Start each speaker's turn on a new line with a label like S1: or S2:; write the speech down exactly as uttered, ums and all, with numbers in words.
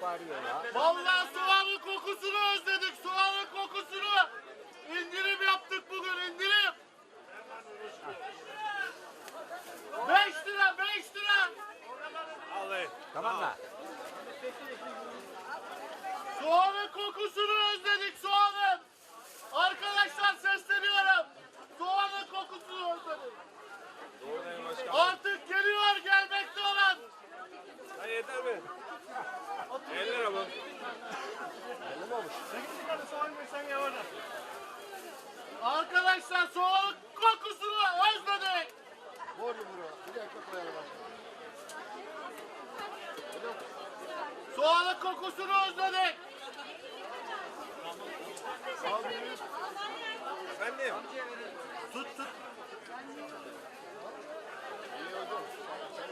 S1: bağırıyor ya.
S2: Vallahi soğanın kokusunu özledik. Soğanın kokusunu. İndirim yaptık bugün, indirim. Beş lira, beş lira.
S3: Alayım.
S1: Tamam mı?
S2: Soğanın kokusunu özledik, soğanın. Arkadaşlar sesleniyorum. Soğanın kokusunu özledik.
S3: Doğrudayım başkanım.
S2: Artık geliyor, gelmekte olan.
S3: Ha yeter mi? elli lira bu.
S1: Belli mi olmuş?
S2: Arkadaşlar soğanın kokusunu özledik.
S1: Vur yumruğu. Bir de ekmek koyalım başkanım.
S2: Soğanın kokusunu özledik.
S3: Efendim?
S2: Tut tut.